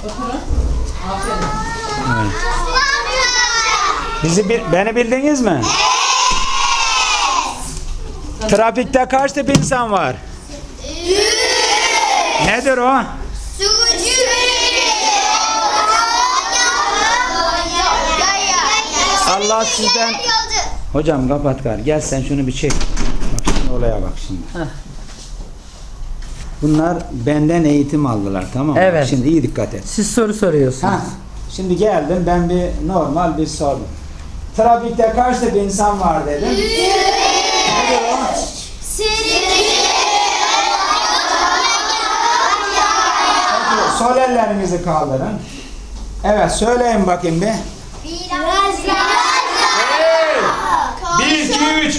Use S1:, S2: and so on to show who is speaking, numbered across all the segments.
S1: Oturun. Aferin.
S2: Evet. Beni bildiniz mi? Trafikte kaç tip insan var? Nedir o? Allah sizden... Hocam kapat gari. Gel sen şunu bir çek. Bak şimdi olaya bak şimdi.
S1: Heh.
S2: Bunlar benden eğitim aldılar, tamam mı?
S1: Evet.
S2: Şimdi iyi dikkat et.
S1: Siz soru soruyorsunuz.
S2: Ha, şimdi geldim ben normal bir sordum. Trafikte kaç tip insan var dedim. Nedir o? Peki, sol ellerinizi kaldırın. Evet, söyleyin bakayım bir. Hey! 1, 2, 3.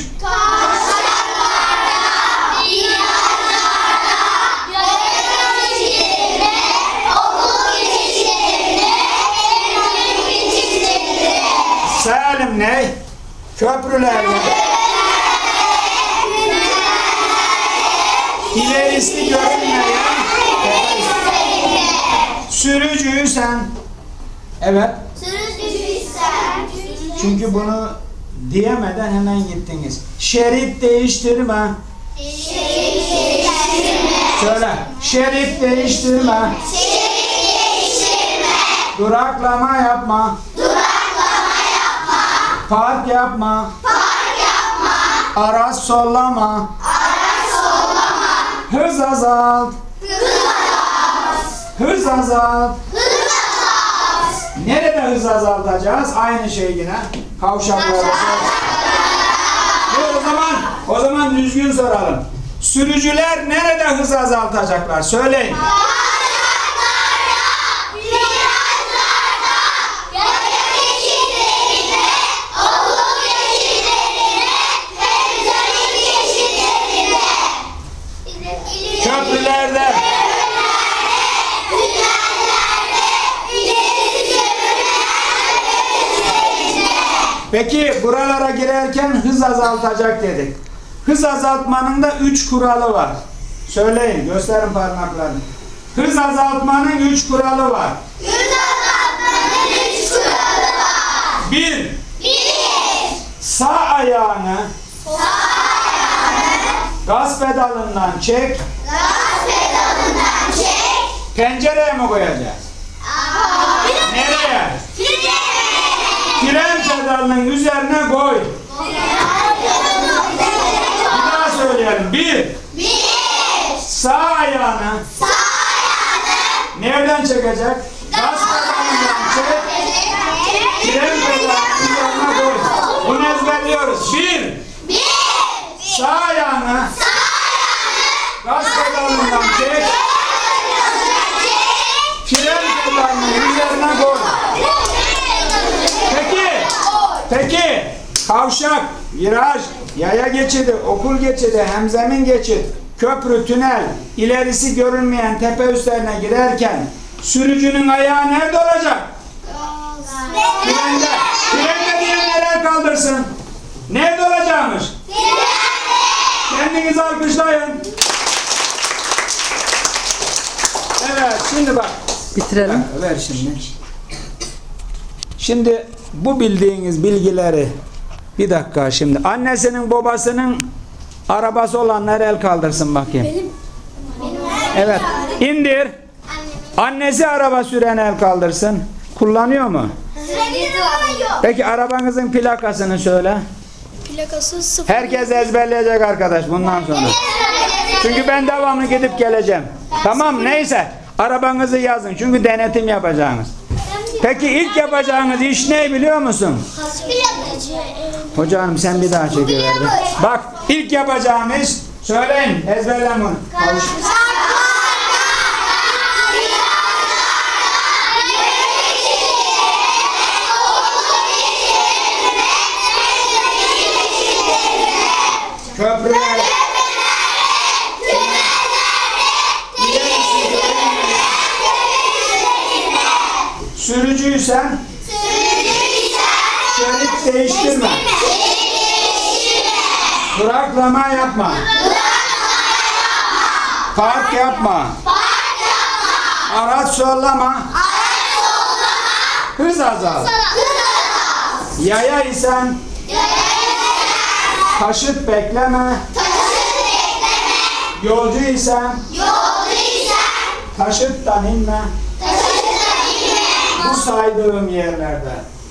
S2: Salim ne? Köprülerde. İlerisi görünmeyen. Sürücüyü sen. Evet. Çünkü bunu diyemeden hemen gittiniz. Şerit değiştirme. Söyle. Şerit değiştirme. Duraklama yapma. Park yapma. Araç sollama. Hız azalt. Hız azalt. Nerede hız azaltacağız? Aynı şey yine. Kavşaklarda. O zaman düzgün soralım. Sürücüler nerede hız azaltacaklar? Söyleyin. Köprülerde. Peki buralara girerken hız azaltacak dedik. Hız azaltmanın da 3 kuralı var. Söyleyin, gösterin parmaklarını. Hız azaltmanın 3 kuralı var. 1. Sağ ayağını gaz pedalından çek. Pencereye mi koyacağız? Nereye? Fren pedalının üzerine koy. Bir daha söyleyelim. 1. Sağ ayağını nereden çekecek? Gaz pedalından çek. Fren pedalının üzerine koy. Bunu ezberliyoruz. 1. Sağ ayağını gaz pedalından çek. Fren pedalının üzerine koy. Peki, kavşak, viraj, yaya geçidi, okul geçidi, hemzemin geçit, köprü, tünel, ilerisi görünmeyen tepe üstlerine girerken sürücünün ayağı nerede olacak? Frende. Frende diyenler kaldırsın. Nerede olacakmış? Kendinizi alkışlayın. Evet, şimdi bak.
S1: Bitirelim.
S2: Ver şimdi. Şimdi bu bildiğiniz bilgileri bir dakika şimdi. Annesinin babasının arabası olanlar el kaldırsın bakayım.
S3: Benim.
S2: Evet. İndir. Annesi araba süren el kaldırsın. Kullanıyor mu? Peki arabanızın plakasını söyle.
S3: Plakası 0.
S2: Herkes ezberleyecek arkadaş bundan sonra. Çünkü ben devamlı gidip geleceğim. Tamam neyse. Arabanızı yazın. Çünkü denetim yapacağınız. Peki ilk yapacağınız iş ne biliyor musun? Hocam sen bir daha çekiver. Bak ilk yapacağımız söyleyin ezberlen bunu. Köprüler. Sürücüysen şerit değiştirme. Duraklama yapma. Park yapma. Araç sollama. hız azal. Yaya isen taşıt bekleme. Yolcu isen taşıttan inme. Bu saydığım yerlerde.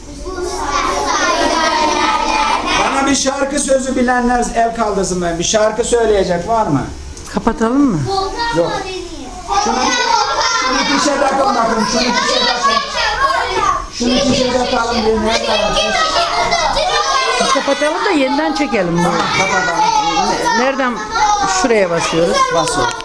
S2: Bana bir şarkı sözü bilenler el kaldırsın ben. Bir şarkı söyleyecek var mı?
S1: Kapatalım mı?
S2: Yok. Şunu fişe takın bakın. Şunu fişe takın. Şunu fişe takalım diye nerede var?
S1: Kapatalım da yeniden çekelim bunu.
S2: Kapatalım.
S1: Nereden? Şuraya basıyoruz.
S2: Basıyor.